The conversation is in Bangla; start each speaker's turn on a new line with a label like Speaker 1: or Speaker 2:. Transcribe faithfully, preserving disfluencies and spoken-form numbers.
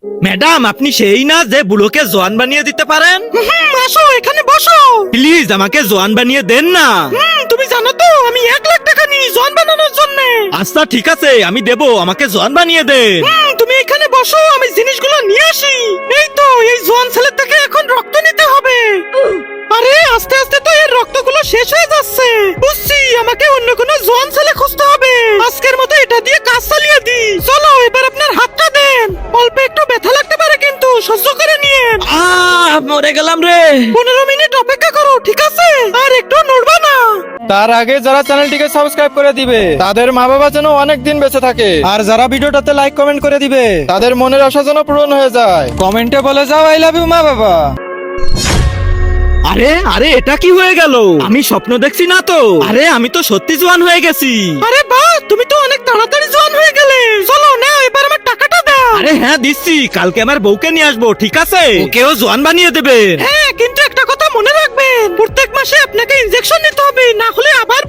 Speaker 1: ম্যাডাম, আপনি সেই না যে বুড়োকে জোয়ান বানিয়ে দিতে পারেন?
Speaker 2: আসো এখানে বসো।
Speaker 1: প্লিজ আমাকে জোয়ান বানিয়ে দেন না।
Speaker 2: হুম, তুমি জানো তো আমি এক লাখ টাকা নিই জন বানানোর জন্য।
Speaker 1: আচ্ছা ঠিক আছে, আমি দেব, আমাকে জোয়ান বানিয়ে দেন।
Speaker 2: হুম, তুমি এখানে বসো, আমি জিনিসগুলো নিয়ে আসি। এই তো, এই জোয়ান ছেলের থেকে এখন রক্ত নিতে হবে। আরে আস্তে আস্তে তো এর রক্তগুলো শেষ হয়ে যাচ্ছে। বুঝছি, আমাকে অন্য কোনো জোয়ান ছেলে খুঁজতে হবে। আজকের মতো এটা দিয়ে কাজ চালিয়ে দিই। চলো এবার আপনার হাতটা দেন। অল্প একটু ব্যথা লাগতে পারে কিন্তু সহ্য করে নিয়েন।
Speaker 1: আহ মরে গেলাম রে।
Speaker 2: পনেরো মিনিট অপেক্ষা করো, ঠিক আছে? আর একটু নড়বা না।
Speaker 3: তার আগে যারা চ্যানেলটিকে সাবস্ক্রাইব করে দিবে তাদের মা বাবা যেন অনেক দিন বেঁচে থাকে, আর যারা ভিডিওটাতে লাইক কমেন্ট করে দিবে তাদের মনের আশা যেন পূরণ হয়ে যায়। কমেন্টে বলে যাও আই লাভ ইউ মা বাবা।
Speaker 1: আরে আরে এটা কি হয়ে গেল? আমি স্বপ্ন দেখছি না তো? আরে আমি তো সত্যি জোয়ান হয়ে গেছি।
Speaker 2: আরে বাহ, তুমি তো অনেক তাড়াতাড়ি জোয়ান হয়ে গেলে। চলো না, এবার আমার টাকাটা দাও।
Speaker 1: আরে হ্যাঁ দিচ্ছি, কালকে আমার বউকে নিয়ে আসবো, ঠিক আছে? ওকেও জোয়ান বানিয়ে দেবেন।
Speaker 2: হ্যাঁ, কিন্তু একটা কথা মনে রাখবেন, প্রত্যেক মাসে আপনাকে ইনজেকশন নিতে হবে, না হলে আবার